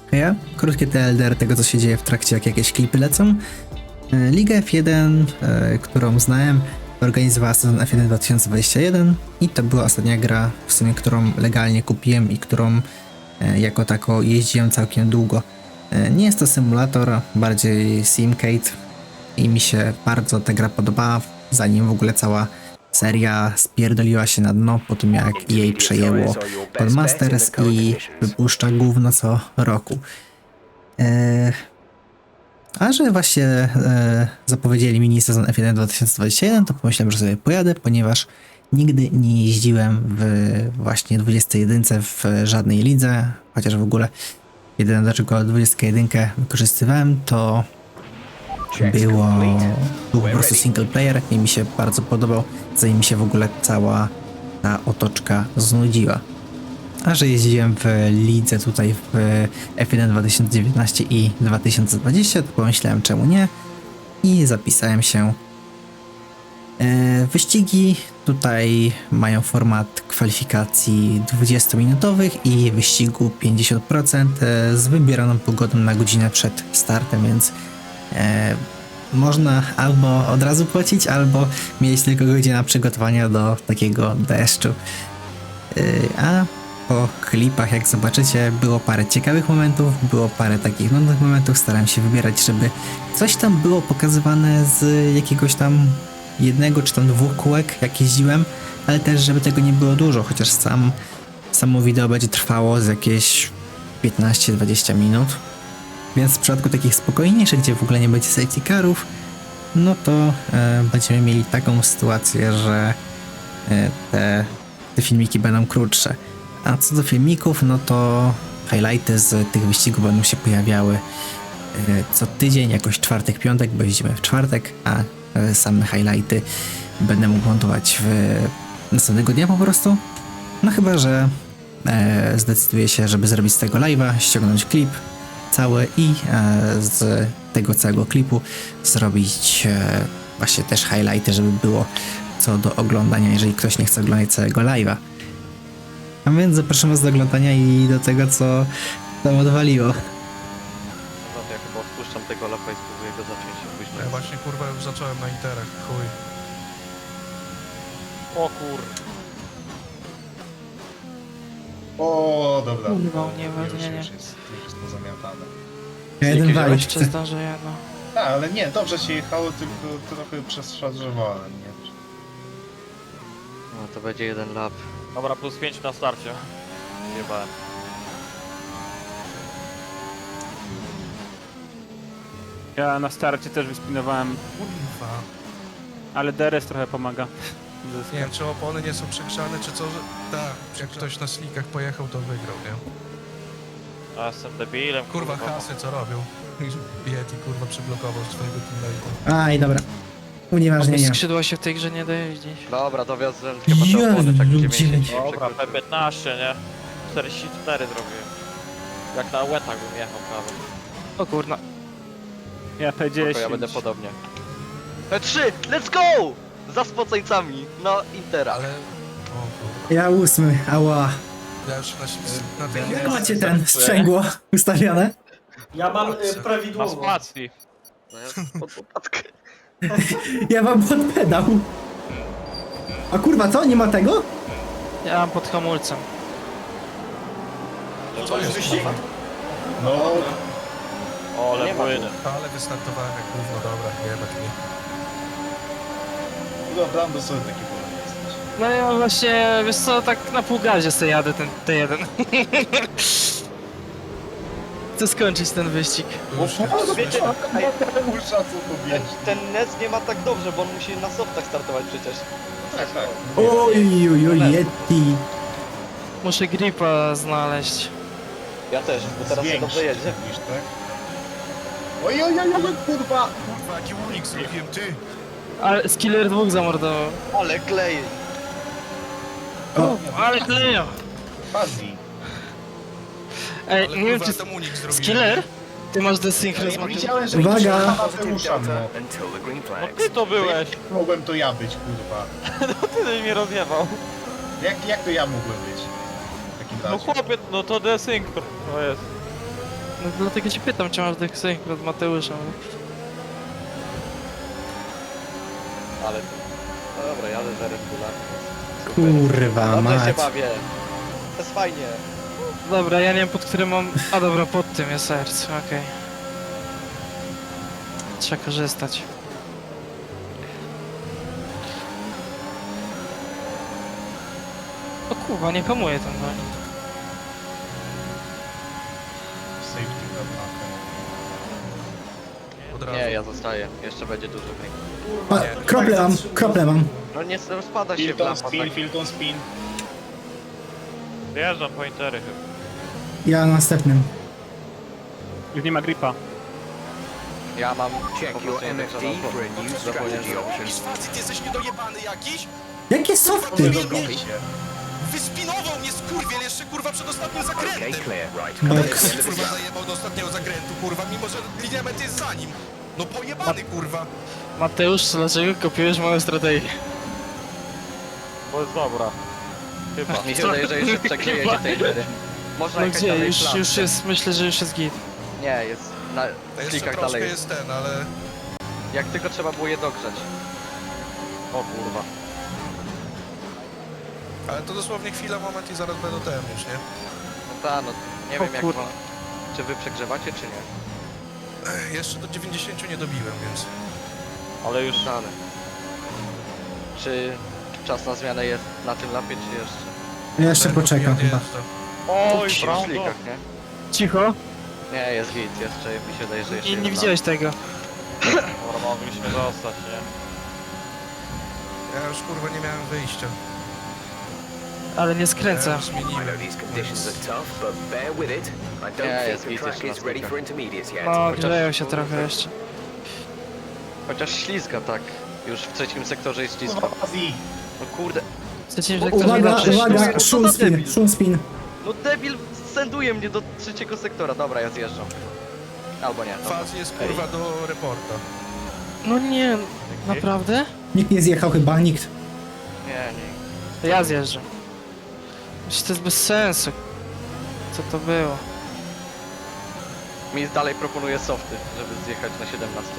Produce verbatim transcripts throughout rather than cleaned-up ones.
Ja, krótkie T L D R tego, co się dzieje w trakcie, jak jakieś klipy lecą. E, Liga F jeden, e, którą znałem, organizowała sezon F jeden dwa tysiące dwudziesty jeden i to była ostatnia gra, w sumie, którą legalnie kupiłem i którą e, jako tako jeździłem całkiem długo. E, nie jest to symulator, bardziej simcade i mi się bardzo ta gra podobała, zanim w ogóle cała seria spierdoliła się na dno po tym, jak E A przejęło Codemasters i wypuszcza gówno co roku. Eee, a że właśnie e, zapowiedzieli mini sezon F jeden dwa tysiące dwudziesty jeden, to pomyślałem, że sobie pojadę, ponieważ nigdy nie jeździłem w właśnie dwudziestej jedynce w żadnej lidze, chociaż w ogóle jedyne dlaczego dwudziestą jedynkę wykorzystywałem, to było, był po prostu single player i mi się bardzo podobał, zanim mi się w ogóle cała ta otoczka znudziła. A że jeździłem w lidze tutaj w F jeden dwa tysiące dziewiętnaście i dwa tysiące dwadzieścia, to pomyślałem czemu nie i zapisałem się. E, wyścigi tutaj mają format kwalifikacji dwudziestominutowych i wyścigu pięćdziesiąt procent z wybieraną pogodą na godzinę przed startem, więc e, można albo od razu płacić, albo mieć tylko godzinę przygotowania do takiego deszczu. E, a po klipach, jak zobaczycie, było parę ciekawych momentów, było parę takich nudnych momentów, starałem się wybierać, żeby coś tam było pokazywane z jakiegoś tam jednego czy tam dwóch kółek, jak jeździłem, ale też, żeby tego nie było dużo, chociaż sam samo wideo będzie trwało z jakieś piętnaście dwadzieścia minut. Więc w przypadku takich spokojniejszych, gdzie w ogóle nie będzie safety carów, no to e, będziemy mieli taką sytuację, że e, te, te filmiki będą krótsze. A co do filmików, no to highlighty z tych wyścigów będą się pojawiały e, co tydzień, jakoś czwartek, piątek, bo jeździmy w czwartek, a e, same highlighty będę mógł montować w następnego dnia po prostu. No chyba, że e, zdecyduję się, żeby zrobić z tego live'a, ściągnąć klip cały i e, z tego całego klipu zrobić e, właśnie też highlighty, żeby było co do oglądania, jeżeli ktoś nie chce oglądać całego live'a. A więc zapraszam was do oglądania i do tego, co tam odwaliło. No to ja chyba odpuszczam tego lapa i spróbuję go zacząć się później. Ja właśnie kurwa już zacząłem na interach, chuj. O kur... O, dobra. Kurwa, nie, już, nie, nie. już jest, już jest pozamiatane. Ja jeden Jakieś wali. Jeszcze zdążę jedno. Tak, ale nie, dobrze się jechało, tylko trochę przeszarżowałem, nie? No to będzie jeden lap. Dobra, plus pięć na starcie. Jebałem. Ja na starcie też wyspinowałem, Kurwa. ale D R S trochę pomaga. Nie wiem, czy opony nie są przegrzane, czy co, że... Tak, jak ktoś na slickach pojechał, to wygrał, nie? A jestem debilem, Kurwa, hasy co robią? Yeti kurwa przyblokował swojego teammate'a. Aj, dobra. Unieważnienia. Skrzydła się w tej grze nie da jeździć. Dobra, dowiozłem chyba te opony, tak Jezu, dziewięćdziesiąt. dziewięć. Dobra, P piętnaście, nie? czterdzieści cztery zrobiłem. Jak na łetach bym jechał prawie. O kurna. Ja P dziesięć. Spoko, ja będę podobnie. P trzy, let's go! Za spoceńcami, no Intera. Ale... O kurwa. Ja ósmy, ała. Ja już na, na tej... Jak macie ten sprzęgło ustawione? Ja mam y, Na prawidłowo. spacji. No ja pod popadkę. Ja mam pod pedał. A kurwa, co? Nie ma tego? Ja mam pod hamulcem. Co jest wyścig? kurwa? No, O, ale płynę. Ale wystartowałem jak gówno, dobra, jebać mnie. no Brando sobie taki wolny jesteś. No ja właśnie, wiesz co, tak na pół gazie sobie jadę ten T jeden. Chcę skończyć ten wyścig. Już się wiecie, Muszę co powiedzieć. Ten N E S nie ma tak dobrze, bo on musi na softach startować przecież. Tak, tak. Oj, oj, oj, Yeti. Muszę gripa znaleźć. Ja też, bo teraz się Zwiększy, dobrze jedzie. mówisz, tak? Oj, oj, oj, oj, kurwa! Kurwa, jaki unik zrobiłem, ty! Ale Skiller dwóch zamordował. Ale klej. O, Ale kleja! Fazji. Ej, Ale nie wiem kurwa, czy... tam unik zrobiłem. Skiller? Ty masz Ja desynchronizm. nie widziałem, że Uwaga! ktoś ma Mateusza, no. No ty to byłeś. Mogłem to ja być, kurwa. No ty mnie rozjebał. Jak, jak to ja mogłem być? W takim No razie. chłopie, no to desynchro. No jest. No dlatego cię pytam, czy masz tych synchro od Mateusza. Ale... No dobra, jadę za Red Bulla. Super. Kurwa Dobrze się mać. bawię. To jest fajnie. Dobra, ja nie wiem pod którym mam... A dobra, pod tym jest serce, okej. Trzeba korzystać. O kurwa, nie hamuje ten goń. Safety car na Od razu. Nie, ja zostaję. Jeszcze będzie dużo mniej. A, krople mam, krople mam. No nie rozpada się w Filton lampa. spin, Tak. Filton spin. Wyjeżdżam pointery chyba. Ja na następnym. Już nie ma gripa. Ja mam po Check prostu your nie M F D tak, for a new strategy option. Facet, jesteś niedojebany jakiś? Jakie softy? Dogoń się. Wyspinował mnie skurwiel jeszcze kurwa przed ostatnim zakrętem. Okay, clear. Right. Box. Jak kurwa zajebał do ostatniego zakrętu, kurwa, mimo że linia mety jest za nim. No pojebany kurwa. Mateusz, dlaczego kopiujesz moją strategię? Bo jest dobra. Chyba. Mi się wydaje, że jeszcze przeklejecie tej gry. Można No jechać gdzie? dalej Już, w już klatce. jest, myślę, że już jest git. Nie, jest na To jeszcze klikach troszkę dalej. jest ten, ale... Jak tylko trzeba było je dogrzać. O kurwa. Ale to dosłownie chwila, moment i zaraz będą ten już, nie? No ta, no nie O wiem jak kurwa. wam... Czy wy przegrzewacie, czy nie? Ech, jeszcze do dziewięćdziesięciu nie dobiłem, więc... Ale już Dane. Czy czas na zmianę jest na tym lapie, czy jeszcze? Ja jeszcze Ten poczekam odjeżdża. chyba. Oj, W brawo. szlikach, nie? Cicho. Nie, jest git, jeszcze mi się wydaje, że jeszcze Nie, nie jeden widziałeś tego. Dobra, mogliśmy zostać, nie? Ja już kurwa nie miałem wyjścia. Ale nie Ja skręca. już I zmieniłem. know these conditions are tough, but bear with it. I don't Yeah, think it's the easy track to is ready nas for intermediates yet. No, grzeją się trochę jeszcze. Chociaż ślizga tak. Już w trzecim sektorze jest ślizga. Kurwa, Azji. No kurde. Trzecim sektorze Uwaga, inaczej. uwaga, Co szum za spin, debil? szum spin. No debil senduje mnie do trzeciego sektora. Dobra, ja zjeżdżam. Albo nie. Dobra. Faz jest kurwa do reporta. No nie, naprawdę? Nikt nie zjechał chyba, nikt. Nie, nie. To ja zjeżdżam. Przecież to jest bez sensu. Co to było? Mi dalej proponuje softy, żeby zjechać na siedemnasty.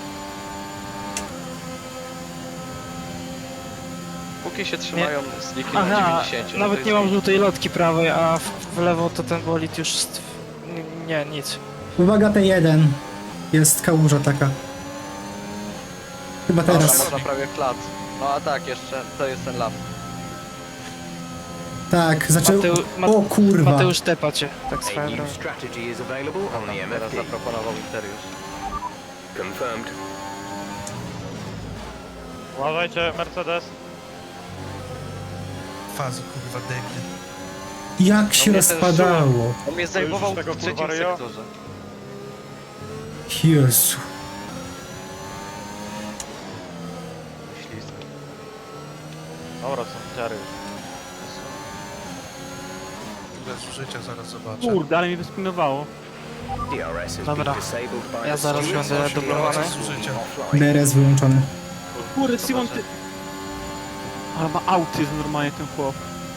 Póki się trzymają z liki na Aha, dziewięćdziesiąt. nawet nie mam żółtej lotki prawej, a w, w lewo to ten bolid już... st- n- Nie, nic. Uwaga, T jeden. Jest kałuża taka. Chyba Teraz. teraz. Można prawie flat. No a tak, jeszcze to jest ten lap. Tak, zaczął... Mateu, Ma, O kurwa. Mateusz tepa cię, tak A swoją new drogą. strategy is available on the M Teraz F D. zaproponował Interius. Confirmed. Uważajcie, Mercedes. Fazy kurwa debil. Jak się mnie ten rozpadało. On mnie już zajmował tego w trzecim kurwa ryja? sektorze. Jezu. Ślizg. Dobra, są ciary już. Bez życia zaraz zobaczę. Kurde, ale mi wyspinowało. D R S has Dobra. been disabled by Ja the zaraz stewards. będę The dublowany. R S will be offline. D R S wyłączony. Kurde, Simon, ty... Ale ma autyzm normalnie ten chłop.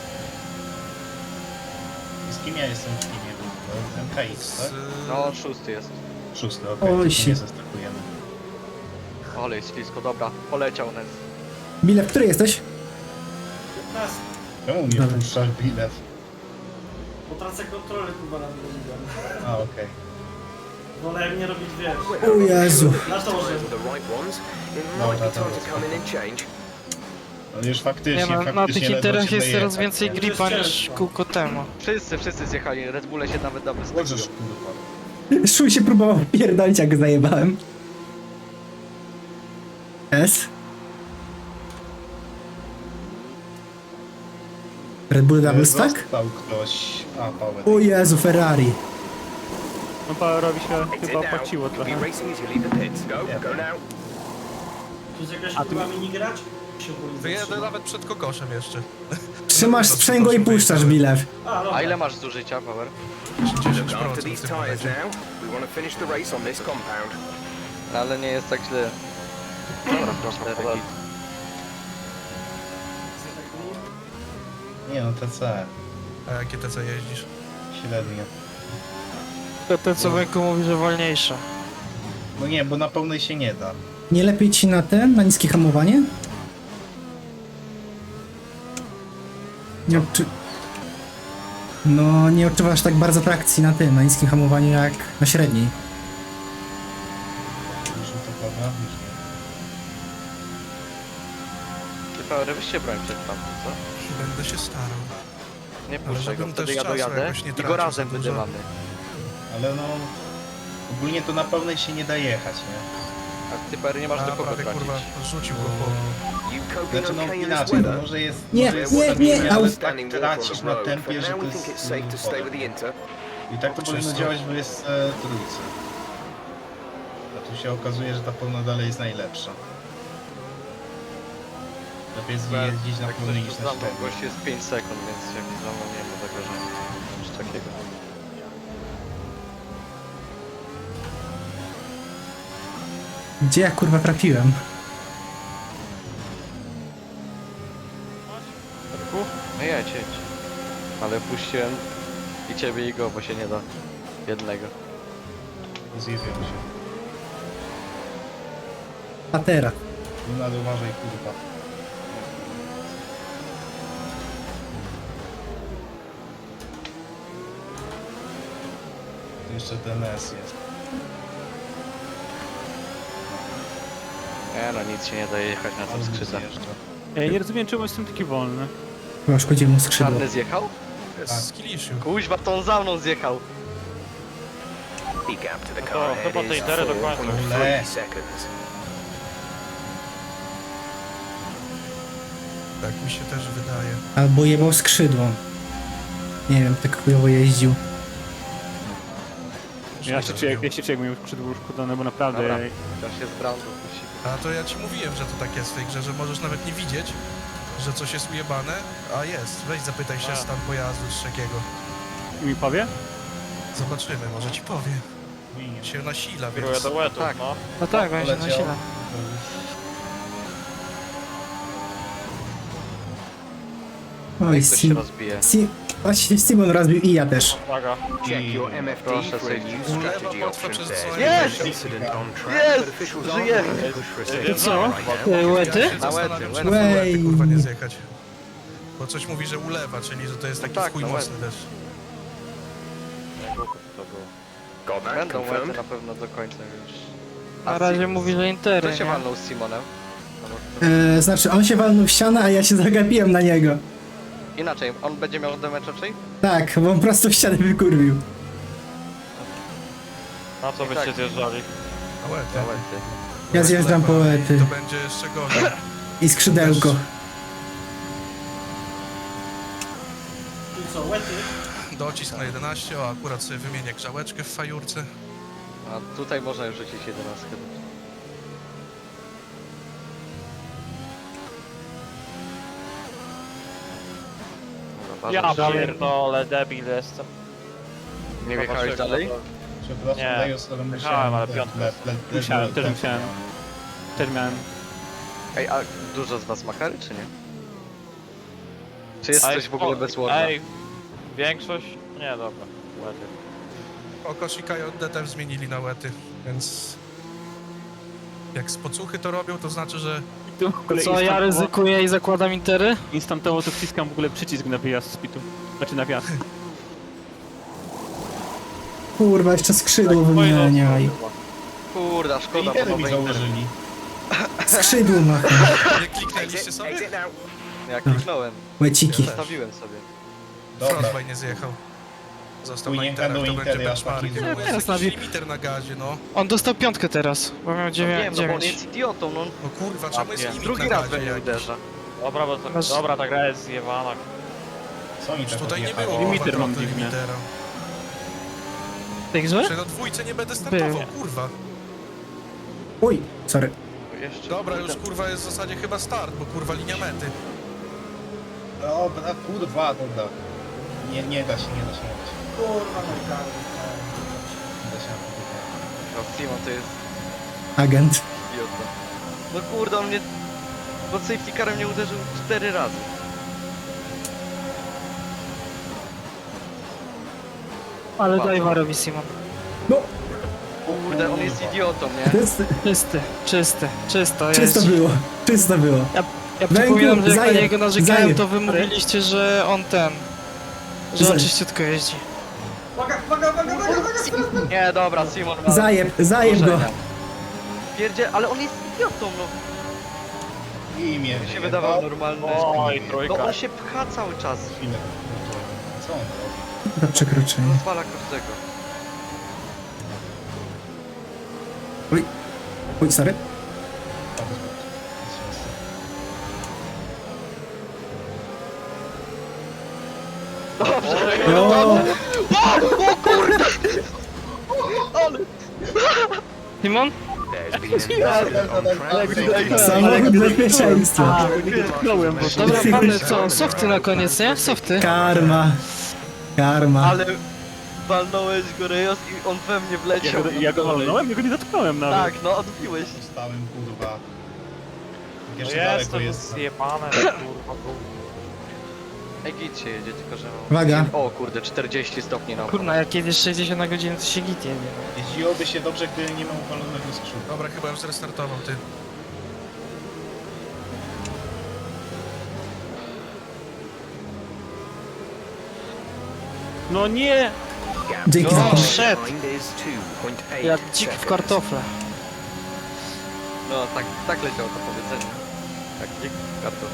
Z kim ja jestem w teamie? M K X, Z... tak? No, szósty jest. Szósty, okej. Oj, Okay, się. nie zestakujemy. Ole, jest ślisko, dobra. Poleciał Nez. Bile, w której jesteś? Czemu mnie Dobra. puszczasz bilet? Bo tracę kontrolę chyba nad tym. A, okej. Wolę nie robić wiesz. O Jezu. Na torze. Find the right ones. It No, might be that time was to come in and change. No już faktycznie, Nie no, na faktycznie tych ledwo interach się jest wyjechać, coraz więcej nie? gripa To jest niż ciężko. kółko temu. Wszyscy, wszyscy zjechali. Red Bulle się nawet dobry Możesz, stawiło. kurwa. Szuj się próbował pierdolić, jak go zajebałem. S. Red Bull double stack? Został ktoś... A, Power. O Jezu, Ferrari. No Powerowi się Exit chyba now. opłaciło You'll trochę. be racing as you leave the pits. Go, Yeah. go now. Tu jest jakaś A ty- kurwa minigrać? Się boi Wyjedę zatrzymać. nawet przed kokoszem jeszcze. Trzymasz sprzęgło i puszczasz, Bilew. A, dobra. A ile masz zużycia, Power? dziesięć Look after procent w these tym tyres momencie. now. We want to finish the race on this compound. No, ale nie jest tak źle. Dobra, proszę, tak Nie no, T C. A jakie T C jeździsz? Średnio. To ten co Węku mówi, że wolniejsze. No nie, bo na pełnej się nie da. Nie lepiej ci na ten, na niskie hamowanie? Nie odczu... No, nie odczuwasz tak bardzo trakcji na tym, na niskim hamowaniu jak na średniej. Już to prawda? Już nie. Ty Power, weźcie broń przed tamtym, co? Będę się starał. Nie Ale puszczaj go, żebym wtedy też ja czasu dojadę jakoś nie i go tracił razem za dużo. wydymamy. Ale no... Ogólnie to na pełnej się nie da jechać, nie? A ty Power nie masz A do kogo prawie tracić. kurwa rzucił go po... You coping Znaczy no okay in this inaczej, no weather? może jest... Nie, może jest nie, stabilnie, nie, ale au. tak Standing water on tracisz the na road. For tempie, że now, to we think it's jest... safe to stay with the Inter. I tak to powinno Czysto. działać w jest e, trójce. A tu się okazuje, że ta pełna dalej jest najlepsza. Lepiej jest jeździć na Jak pełnej ktoś niż tu na za mną, średniej. gość jest pięć sekund, więc jak za mną nie ma zagrożenia. Coś takiego. Gdzie ja kurwa trafiłem? No jedź, jedź. Ale puściłem i ciebie i go, bo się nie da jednego. Zjebią się. Patera. Luna, uważaj, kurwa. Tu jeszcze D N S jest. Nie no, nic się nie da jechać na tym Ale skrzydle. zjeżdża. Ja nie rozumiem, czemu jestem taki wolny. Chyba szkodził mu skrzydło. Czarny zjechał? Jest z Kiliszu. Kuźwa, to on za mną zjechał. The gap to the No car to ahead chyba te is Intery do końca. four point three seconds. Tak mi się też wydaje. Albo jebał skrzydło. Nie wiem, tak chujowo jeździł. Ja się czuję, ja się czuję, jak mi skrzydło uszkodzone, bo naprawdę... Dobra. Też jest Brando, musi. A to ja ci mówiłem, że to tak jest w tej grze, że możesz nawet nie widzieć, że coś jest ujebane, a jest. Weź zapytaj się A. stan pojazdu czy takiego. I mi powie? Zobaczymy, może ci powie. Się nasila, Kieruję więc... do łetów, tak. no. No tak, on się Poleciał. nasila. Oj, Jak ktoś się Sim... rozbije. Sim... Właśnie Simon rozbił i ja też. Uwaga. Check your M F D Proszę for a safety. new Ulewa strategy łatwa option przez there. dzwonienie. Jest! Incident on track, Jest! but officials Żyje! aren't ready to push for a safety To co? car right now. Ty, łety? Ja się Na zastanawiam, łety, czy na łety. łety kurwa nie zjechać. Bo coś mówi, że ulewa, czyli że to jest taki tak, chuj na mocny też. Jak głupio to było. Got that Będą łety confirmed. na pewno do końca już. Na razie mówi, że Intery, Kto się nie? walnął z Simonem? No bo- E, znaczy, on się walnął w ścianę, a ja się zagapiłem na niego. Inaczej, on będzie miał damage raczej? Tak, bo on prosto w ścianę wykurwił. Na co byście tak. zjeżdżali? Na łety. Na łety. Ja zjeżdżam po Ulewa i łety. To będzie jeszcze gorzej. I skrzydełko. I co, łety? Docisk na jedenaście, o akurat sobie wymienię grzałeczkę w fajurce. A tutaj można już rzucić jedenastkę. Dobra, Ja bardzo- pierdolę, debil jestem. Nie wjechałeś dalej? Przepraszam, Nie. Dejos, ale musiałem... Jechałem, ale le- piątka. le- le- le- Musiałem, le- też le- musiałem. Też miałem. Ej, a dużo z was ma kary, czy nie? Czy jest Ej, coś w ogóle o, bez Warda? Ej, większość? Nie, dobra. Łety. Okoshika i D T zmienili na łety, więc... Jak z pocuchy to robią, to znaczy, że... Tu w ogóle Co, ja instantowo- ryzykuję i zakładam Intery? Instantowo to wciskam w ogóle przycisk na wyjazd z pitu. Znaczy na wjazd. Kurwa, jeszcze skrzydło Moje wymieniaj. losy, kurwa. Kurda, szkoda, Intery bo mi nowe Intery. założyli. Skrzydło ma. Nie kliknęliście Exit, sobie? exit now. Ja kliknąłem, Łeciki. zostawiłem sobie. Dobra. Frostbite nie zjechał. Został Chuj, na nie interach, będą to Intery będzie aż tak benchmark. nie No, teraz jest na jakiś wi- limiter na gazie, no. On dostał piątkę teraz, bo miał No dziewię- wiem, no bo on dziewięć. jest idiotą, no. No kurwa, czemu jest nie. limit Drugi na raz gazie we mnie jakiś? uderza. Dobra, bo to, Masz- dobra, ta gra jest zjebana. Co oni Już tak tutaj nie odjechało? było Limiter limiter mam dziwnie. limitera. W tej grze? Czy na dwójce nie będę startował, Był. kurwa. Uj, sorry. Jeszcze. Dobra, już kurwa jest w zasadzie chyba start, bo kurwa linia mety. Dobra, kurwa, dobra. Nie, nie da się, nie da się, nie da się. Kurwa, no i tak. Nie da się. No, Simon to jest Agent. idiota. No kurde, on mnie pod safety carem nie uderzył cztery razy. Ale Bardzo. daj warowi Simon. kurde, on jest idiotą, nie? Czysty, Czysty, czysty, czysto jest. czysto było, czysto było. Ja Węglu, przypominam, że jak na zajeb, niego narzekałem, zajeb. to wy mówiliście, że on ten... Że on Zajeb. czyściutko jeździ. Uwaga, uwaga, uwaga, uwaga, uwaga! Nie, dobra, Simon. ma- Zajeb, zajeb go. Korzenia. Pierdzie, ale on jest idiotą, no. I mnie Mi się wydawał normalny. Oj, No trójka. on się pcha cały czas. Chwilę. Co on robi? Do przekroczenia. Rozwala każdego. Oj, oj, sorry. Dobrze, O, Simon? There's been an incident on track. samochód bezpieczeństwa. Dotknąłem, bo Dobra, pany, co? Softy na koniec, nie? Softy. Karma. Karma. ale walnąłeś go Rejos i on we mnie ja wleciał. go, ja go walnąłem, ja go nie dotknąłem nawet. Tak, no odbiłeś. Zostałem, kurwa. Jak No jeszcze daleko jestem jest. zjebane, kurwa. Ej, git się jedzie, tylko że... Uwaga. O kurde, czterdzieści stopni na Kurna, jak jedziesz sześćdziesiąt na godzinę, to się git jedzie. no. Jeździłoby się dobrze, gdy nie ma upalonego skrzydła. Dobra, chyba już zrestartował, ty. No nie! Dzięki za O, pomoc. shit. Behind is two point eight Jak dzik w seconds. kartofle. No tak, tak leciało to powiedzenie. Tak, nie karton.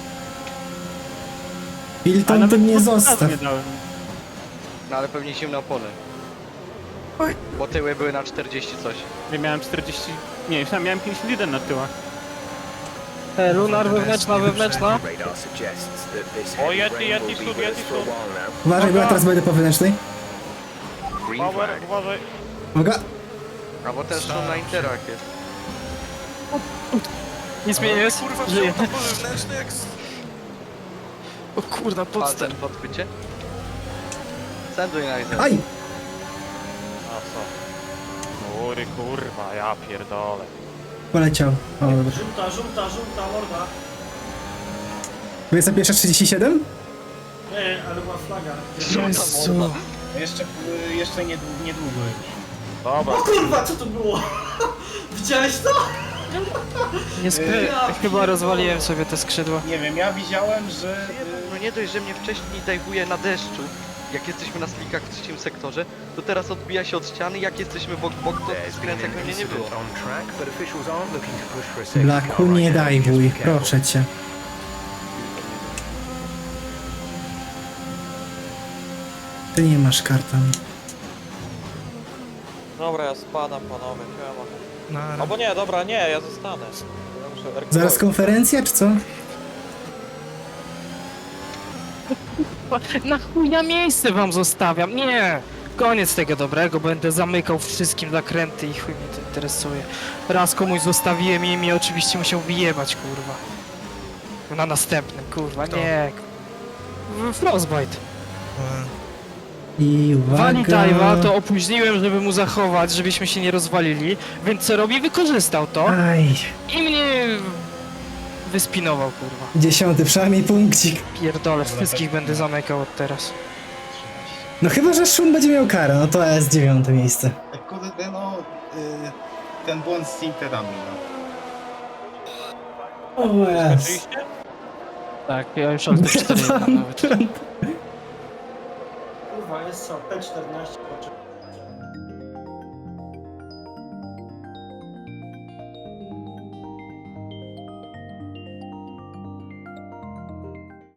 A Hilton, nawet ty mnie podstawy zostaw. nie dałem. No ale pewnie zimne opony. Bo tyły były na czterdzieści coś. Ja miałem czterdzieści... Nie, ja miałem pięćdziesiąt jeden na tyłach. E, lunar wewnętrzna, wewnętrzna. Radar suggests that this O, heavy Yeti, rain Yeti, will be stód, with us Yeti, for a stód. while now. Uważaj, bo ja teraz będę po wewnętrznej. Green Power, flag. uważaj. Uwaga. A bo ten szum na interak jest. Nic mnie nie jest? Kurwa, Żyję. wziął to wewnętrzny jak... z- O kurna, A podstęp. ten podchwycie? Senduj na izę. Aj! A co? Kury, kurwa, ja pierdolę. Poleciał. O, dobra. Żółta, żółta, żółta, morda. dwudziesta pierwsza trzydzieści siedem? Nie, ale była flaga. Jezu. No jeszcze, jeszcze niedługo, niedługo już. Dobra. O kurwa, co to było? Widziałeś to? Nie skry... Chyba rozwaliłem sobie te skrzydła. Nie wiem, ja widziałem, że... No nie dość, że mnie wcześniej dajwuje na deszczu, jak jesteśmy na slikach w trzecim sektorze, to teraz odbija się od ściany, jak jesteśmy bok bok, to There's been skręca jak an mnie nie było. incident on track, but officials aren't looking to push for a safety Blaku, car nie right now. daj Just wuj, be careful. proszę cię. Ty nie masz kartan. Dobra, ja spadam, panowie, siema. Na... Albo nie, dobra, nie, ja zostanę. Ja muszę werkować. Zaraz konferencja, czy co? Na chuj ja miejsce wam zostawiam, nie! Koniec tego dobrego, będę zamykał wszystkim zakręty i chuj mnie to interesuje. Raz komuś zostawiłem i mi oczywiście musiał wyjebać, kurwa. Na następnym, kurwa, Kto? nie. W- Frostbite. E, I Wali uwaga. Dive'a to opóźniłem, żeby mu zachować, żebyśmy się nie rozwalili, więc co robi? Wykorzystał to Aj, i mnie wyspinował, kurwa. dziesiąty, przynajmniej punkcik. Pierdolę, wszystkich będę zamykał od teraz. trzynaście. No chyba, że Szum będzie miał karę, no to jest dziewiąte miejsce. Tak, kurde, no... Y, ten błąd z Interami, no. O jest. Oczywiście? Tak, ja już od cztery nawet. Kurwa, jest co? P czternaście, patrzę.